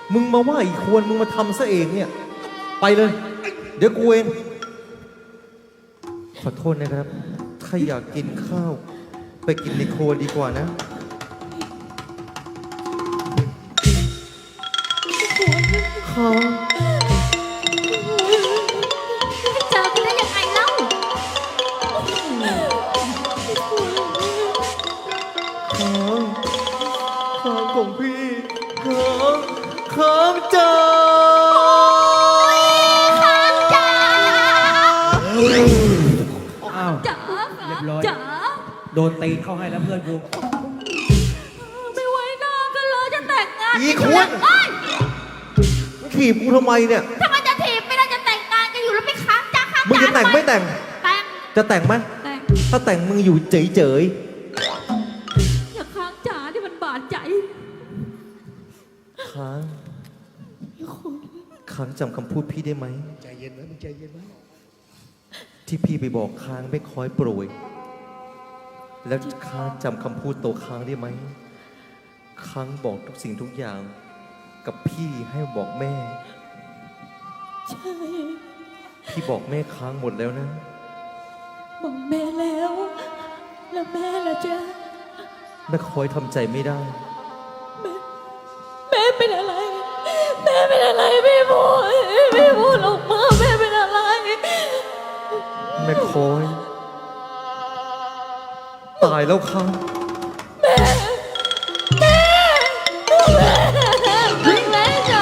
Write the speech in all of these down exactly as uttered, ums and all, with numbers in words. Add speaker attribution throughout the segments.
Speaker 1: มึงมาว่าอีกควรมึงมาทำซะเองเนี่ยไปเลยเดี๋ยวกูเองขอโทษนะครับถ้าอยากกินข้าวไปกินในครัวดีกว่านะข้าว
Speaker 2: เจอกันได้ยังไงเล่า
Speaker 1: ข้าวข้าวของพี่ข้าวข้าวจ้า
Speaker 3: อ้าว
Speaker 2: จ๋า
Speaker 3: เรียบร้อย
Speaker 2: จ๋า
Speaker 3: โดนตีเข้าให้แล้วเพื่อนกู
Speaker 2: ไม่ไว้หน้ากันเลยจะแต่งงาน
Speaker 1: อีควร
Speaker 2: เอ้ย
Speaker 1: ถีบกูทำไมเนี่ย
Speaker 2: ทำไมจะถีบไม่ได้จะแต่งงานกันอยู่แล้วไม่ค้างจ้าค้าง
Speaker 1: มึงจะแต่งไม่แต่ง
Speaker 2: แต่ง
Speaker 1: จะแต่งไหม
Speaker 2: แต่ง
Speaker 1: ถ้าแต่งมึงอยู่เฉย
Speaker 2: อย่าค้างจ๋าที่มันบาดใจ
Speaker 1: ๆค้างค้างจำคำพูดพี่ได้ไหม
Speaker 3: ใจเย็นไว้มึงใจเย็นไว้
Speaker 1: ที่พี่ไปบอกค้างไม่คอยโปรยแล้วค้างจำคำพูดโตค้างได้ไหมค้างบอกทุกสิ่งทุกอย่าง กับพี่ให้บอกแม่
Speaker 2: ใช่
Speaker 1: พี่บอกแม่ค้างหมดแล้วนะ
Speaker 2: บอกแม่แล้ว แล้วแม่ล่ะจ๊ะ
Speaker 1: แม่คอยทำใจไม่ได้
Speaker 2: แม่เป็นอะไร แม่เป็นอะไรพี่พูดพี่พูดออกมาแม่เป็นอะไร
Speaker 1: แม่คอย ตายแล้วค้าง
Speaker 2: แม่แม่แม่จ๋า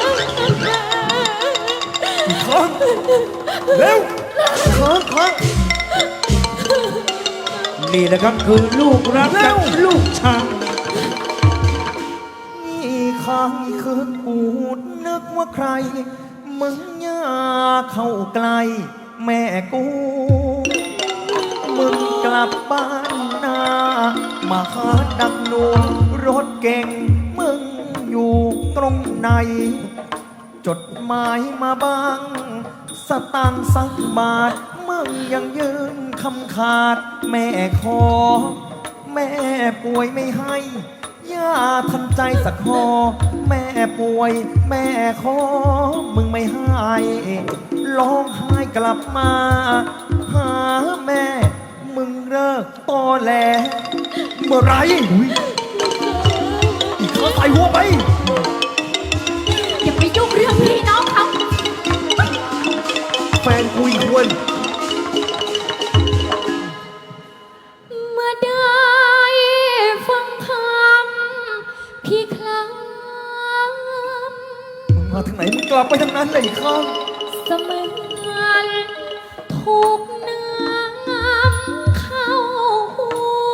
Speaker 1: ค้างเร็วค้างค้าง
Speaker 3: นี่นะครับคือลูกรักกับลูกชัง
Speaker 1: นี่ค้างคือกูนึกว่าใคร มึงอย่าเข้าใกล้แม่กู มึงกลับบ้านนามาหาดักหนูรถเก่ง มึงอยู่ตรงไหน จดหมายมาบ้าง สตางค์สักบาท มึงยังยืนคำขาด แม่ขอ แม่ป่วยไม่ให้ย่าทันใจสักคอแม่ป่วย แม่ขอ มึงไม่ให้ร้องไห้กลับมา หาแม่ มึงเลิกตอแหลเมื่อไรอีกข้าใส่หัวไป
Speaker 2: อย่าไปยุ่งเรื่องพี่น้องเขา
Speaker 1: แฟนคุยควร
Speaker 2: เมื่อได้ฟังคำพี่คลำ
Speaker 1: มึงมาทางไหน มึงกลับไปทางนั้นเลยอีกข้าง
Speaker 2: เสมือนถูกน้ำเข้าหู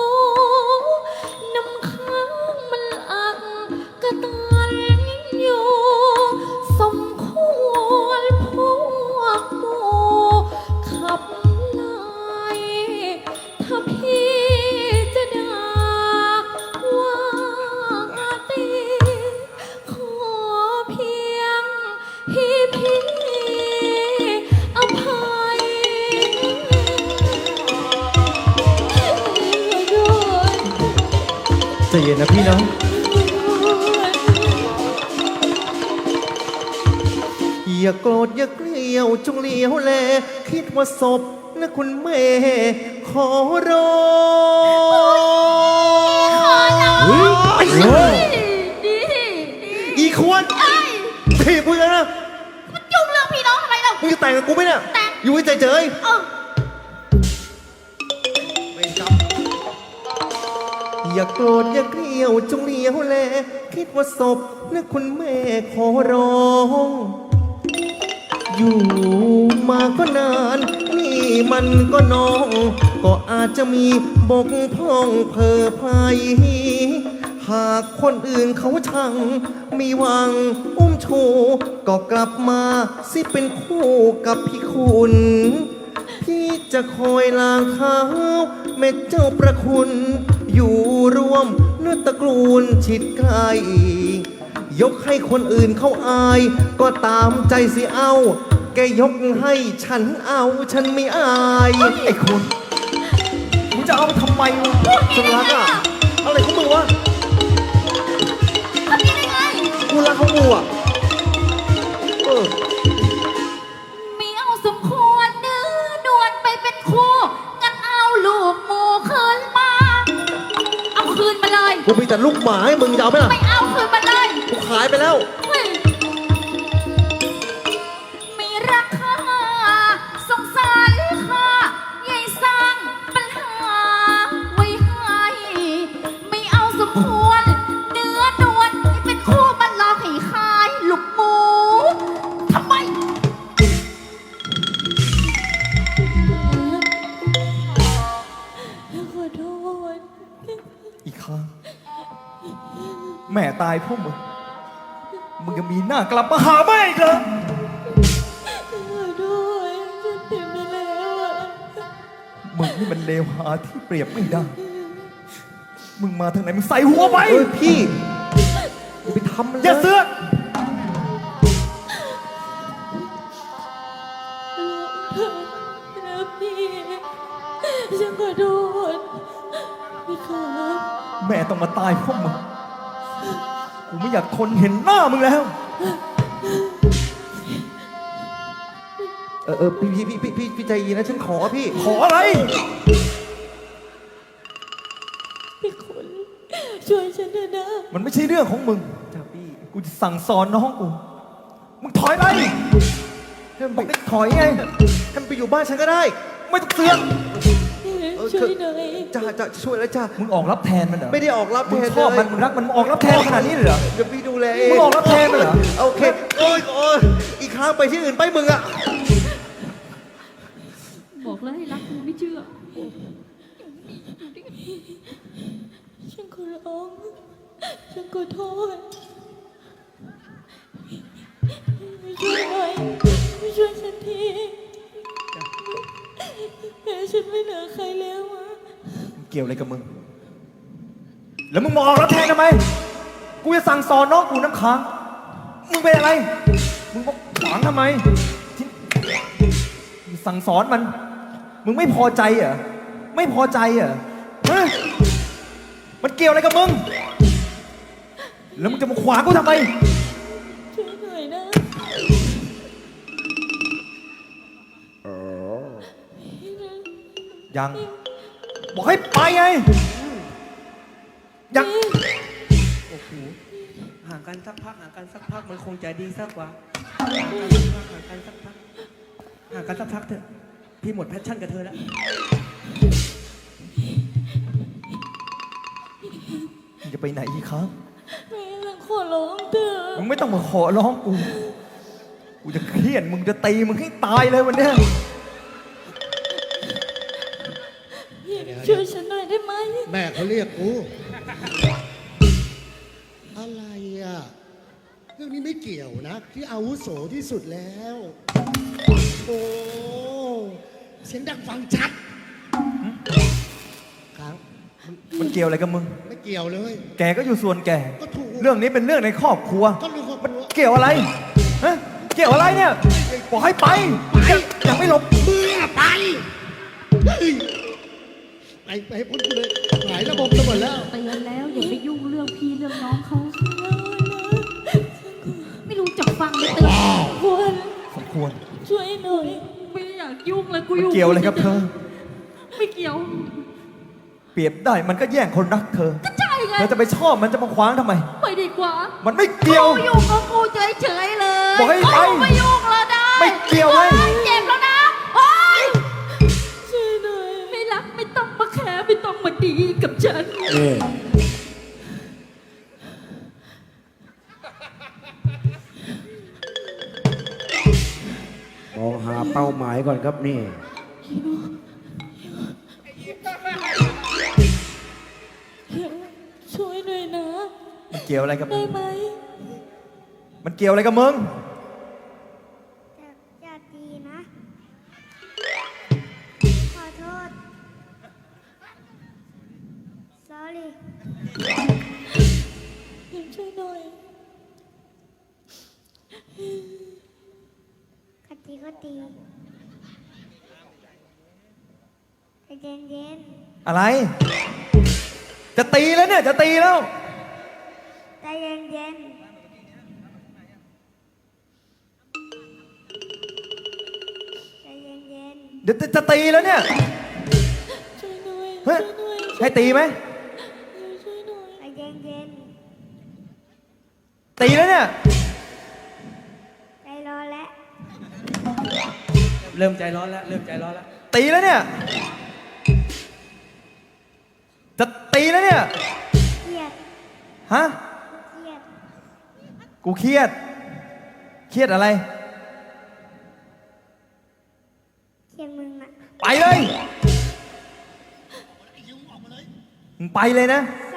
Speaker 2: น้ำค้างมันอักกระตันอยู่สมควรพวกหมู่ขับไล่ถ้าพี่จะด่าว่าตีขอเพียงพี่พี่อภัยด้วย
Speaker 1: ใจเย็นนะพี่นะอย่าโกรธอย่าเกลียวจงเลี้ยวแล คิดว่าศพนะคุณแม่ขอร้องเฮ้ย
Speaker 2: ดีดี
Speaker 1: อีควร
Speaker 2: เอ้ย
Speaker 1: ถีบกูเลยนะ
Speaker 2: มันยุ่งเรื่องพี่น้องทำไมเรา
Speaker 1: มึงจะแต่งกับกูไหมเนี่ย
Speaker 2: แต่ง
Speaker 1: อยู่เฉย
Speaker 2: เออ
Speaker 1: ๆไม่จำอย่าโกรธอย่าเกลียวจงเลี้ยวแล คิดว่าศพนะคุณแม่ขอร้อง อยู่มาก็นาน นี่มันก็น้อง ก็อาจจะมีบกพร่องเพอภัย หากคนอื่นเขาชังมีหวังอุ้มชูก็กลับมาสิเป็นคู่กับพี่คุณ พี่จะคอยล้างเท้าแม่เจ้าประคุณ อยู่ร่วมเนื้อตระกูลชิดไกล ยกให้คนอื่นเขาอาย ก็ตามใจสิเอา แกยกให้ฉันเอาฉันไม่อายไอ้คุณมึงจะเอาไปทำไมวะฉันรักอะอะไรของมึงวะ
Speaker 2: ทำยังไง
Speaker 1: กูรักของมึงอะกูมีแต่ลูกหมาให้มึงจะเอาไหมล่ะ
Speaker 2: ไม่เอาคืนมาเลย
Speaker 1: กูขายไปแล้ว
Speaker 2: เฮ้ยมีราคาสงสารค่ะยายสร้างปัญหาไว้ให้ไม่เอาสมควรเนื้อนวลที่เป็นคู่มันหลอกให้ขายลูกหมูทำไม ขอโทษ
Speaker 4: อีกครั้งแม่ตายเพราะมึงมึงยังมีหน้ากลับมาหาแม่อีกเหรอ
Speaker 2: ขอโทษฉันเต็มไปแล้วอะ
Speaker 4: มึงนี่มันเลวหาที่เปรียบไม่ได้ มึงมาทางไหนมึงใส่หัวไป
Speaker 1: เอ้ยพี่กูไปทำมันเลย
Speaker 4: อย่าเสือก
Speaker 2: นะพี่ฉันขอโทษพี่ครับ
Speaker 4: แม่ต้องมาตายเพราะมึงกูไม่อยากทนเห็นหน้ามึงแล้ว
Speaker 1: เออเออพี่พี่พี่พี่พี่พี่ใจเย็นนะฉันขอพี่
Speaker 4: ขออะไร
Speaker 2: พี่คุณช่วยฉันเถอะนะ
Speaker 4: มันไม่ใช่เรื่องของมึง
Speaker 1: จ้าพี่
Speaker 4: กูจะสั่งสอนน้องกู มึงถอยไป
Speaker 1: ให้มัน
Speaker 4: บอก
Speaker 1: ไป
Speaker 4: ได้ถอยไง
Speaker 1: ให้มันไปอยู่บ้านฉันก็ได้
Speaker 4: ไม่ต้องเสือก
Speaker 2: ช่วยหน่อย
Speaker 1: จ้าจ้าช่วยแล้วจ้า
Speaker 4: มึงออกรับแทนมันเหรอ
Speaker 1: ไม่ได้ออกรับ
Speaker 4: มึง
Speaker 1: แทน
Speaker 4: ชอบมัน
Speaker 1: เลย
Speaker 4: มึงรักมันมึงออกรับแทนขนาดนี้เลยเหรอ
Speaker 1: เดี๋ยวพี่ดูแลเอง
Speaker 4: มึงออกรับแทนมันเหรอ
Speaker 1: โอเคโอ้ยโอ้ยอีกครั้งไปที่อื่นไปมึงอะ
Speaker 2: บอกแล้วให้รักกูไม่เชื่อฉันขอร้องฉันขอโทษไม่ช่วยหน่อยไม่ช่วยฉันทีแม่ฉันไม่เหลือใครแล้วอะ
Speaker 4: มันเกี่ยวอะไรกับมึง แล้วมึงมาออกรับแทนทำไม กูจะสั่งสอนน้องกูน้ำค้าง มึงเป็นอะไร มึงบอกขวางทำไมที่มึงสั่งสอนมัน มึงไม่พอใจเหรอ ไม่พอใจเหรอฮะมันเกี่ยวอะไรกับมึง แล้วมึงจะมาขวางกูทำไม
Speaker 2: ช่วยหน่อยนะ
Speaker 4: ยัง บอกให้ไปไง ยัง
Speaker 3: โอ้โหห่างกันสักพักห่างกันสักพักมันคงจะดีสักกว่าห่างกันสักพักห่างกันสักพักห่างกันสักพักเถอะพี่หมดแพชชั่นกับเธอแล้ว
Speaker 4: มึงจะไปไหนอีกครับ
Speaker 2: แม่ฉันขอร้องเถอะ
Speaker 4: มึงไม่ต้องมาขอร้องกู กูจะเครียดมึงจะตีมึงให้ตายเลยวันเนี้ย
Speaker 2: ช่วยฉันหน่อยได้ไหม
Speaker 5: แม่เขาเรียกกู อะไรอ่ะ เรื่องนี้ไม่เกี่ยวนะ ที่อาวุโสที่สุดแล้ว โอ้เสียงดังฟังชัดครับ
Speaker 4: มันเกี่ยวอะไรกับมึง
Speaker 5: ไม่เกี่ยวเลย
Speaker 4: แกก็อยู่ส่วนแก
Speaker 5: ก็ถูก
Speaker 4: เรื่องนี้เป็นเรื่องในครอบครัว
Speaker 5: ก็รู้ครอบครัว
Speaker 4: เกี่ยวอะไร ฮะ เกี่ยวอะไรเนี่ย บอกให้ไปยังยังไม่หลบ
Speaker 5: มึงอะไปเฮ้ยไปไปให้พ้นกูเลยหายระบบกันหมดแล้ว
Speaker 2: เตือนแล้วอย่าไปยุ่งเรื่องพี่เรื่องน้องเขาไม่รู้จักฟังเลยเตือนควร
Speaker 4: สมควร
Speaker 2: ช่วยหน่อยไม่อยากยุ่งเลยกู
Speaker 4: มัน
Speaker 2: ยุ่ง
Speaker 4: เกี่ยวอะไรกับเธอ
Speaker 2: ไม่เกี่ยว
Speaker 4: เปรียบได้มันก็แย่งคนรักเธอ
Speaker 2: ก็ใช่ไง
Speaker 4: เธอจะไปชอบมันจะมาขวางทำไม
Speaker 2: ไปดีกว่า
Speaker 4: มันไม่เกี่ยว
Speaker 2: กูอยู่กับกูเฉยๆเลย
Speaker 4: บอกให้ไป
Speaker 2: กูไม่ยุ่งแล้วได้
Speaker 4: ไม่เกี่ยวไง
Speaker 2: โอ๊เจ็บแล้วนะโอ๊ยช่วยหน่อยไม่รักไม่ต้องมาแคร์ไม่ต้องมาดีกับฉัน
Speaker 3: มองหาเป้าหมายก่อนครับนี่
Speaker 2: ช่วยหน่อยนะ
Speaker 4: มันเกี่ยวอะไรกับมึ
Speaker 2: ได้
Speaker 4: ง
Speaker 2: ไหม
Speaker 4: มันเกี่ยวอะไรกับมึง
Speaker 6: อย่าอย่าตีนะ ขอโทษ sorry
Speaker 2: ช่วยหน่อย
Speaker 6: กตีก็ตีใจเย็นเย็น
Speaker 4: อะไร จะตีแล้วเนี่ย จะตีแล้ว
Speaker 6: ๆใจเย็นเย็นๆใจเย็นเย็น
Speaker 4: เดี๋ยวจะจะตีแล้วเนี่ย
Speaker 2: ช่วยหน่อย
Speaker 4: เฮ้ย
Speaker 2: ช่วยหน่อย
Speaker 4: ให้ตีไหม
Speaker 2: ช่วยหน่อย
Speaker 6: ๆใจเ
Speaker 4: ตีแล้วเนี่ย
Speaker 6: ใจร้อนแล้ว
Speaker 3: เริ่มใจร้อนแล้ว เริ่มใจร้อนแล้ว
Speaker 4: ตีแล้วเนี่ย จะตีแล้วเนี่ย
Speaker 6: เครียด
Speaker 4: ฮะ
Speaker 6: เครียด
Speaker 4: กูเครียด เครียดอะไร
Speaker 6: เครียดมึงอะ
Speaker 4: ไปเลยมึงไปเลยนะ
Speaker 6: ไ